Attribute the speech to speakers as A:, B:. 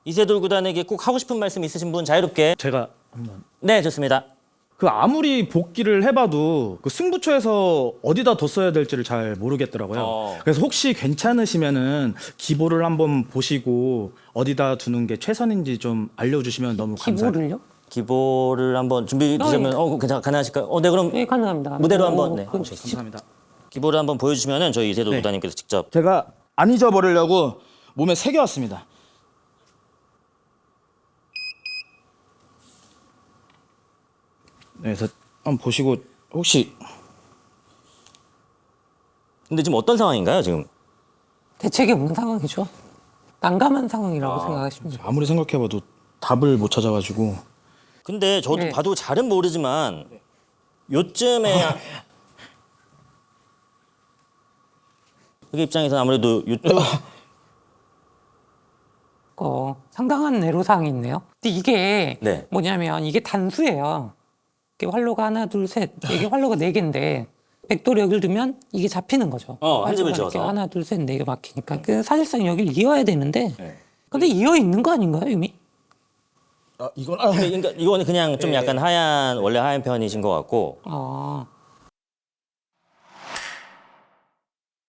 A: 이세돌 구단에게 꼭 하고 싶은 말씀 있으신 분 자유롭게.
B: 제가 한번.
A: 네, 좋습니다.
B: 그 아무리 복귀를 해봐도 그 승부처에서 어디다 뒀어야 될지를 잘 모르겠더라고요. 그래서 혹시 괜찮으시면은 기보를 한번 보시고 어디다 두는 게 최선인지 좀 알려주시면 너무 감사해요.
C: 기보를요?
A: 기보를 한번 준비 되시면 괜찮 가능하실까요? 네, 그럼
C: 네, 가능합니다.
A: 무대로 한번 네.
C: 그럼
B: 감사합니다.
A: 기보를 한번 보여주시면은 저희 이세돌 구단님께서 직접.
B: 제가 안 잊어버리려고 몸에 새겨왔습니다. 네, 그래서 한번 보시고 혹시
A: 근데 지금 어떤 상황인가요, 지금?
C: 대책이 없는 상황이죠. 난감한 상황이라고 생각하시면 돼요.
B: 아무리 생각해봐도 답을 못 찾아가지고
A: 근데 저도
C: 네.
A: 봐도 잘은 모르지만 요쯤에 그 입장에서 아무래도 요쪽
C: 상당한 애로사항이 있네요. 근데 이게
A: 네.
C: 뭐냐면 이게 단수예요. 이게 활로가 하나, 둘, 셋. 이게 활로가 네 개인데 백도를 여기를 두면 이게 잡히는 거죠.
A: 한 집을
C: 활로가 이렇게
A: 지어서.
C: 하나, 둘, 셋, 네 개 막히니까. 그 사실상 여기를 이어야 되는데
A: 네.
C: 근데 이어 있는 거 아닌가요, 이미?
B: 이건
A: 그러니까 이거는 그냥 좀 약간 원래 하얀 편이신 것 같고
C: 아,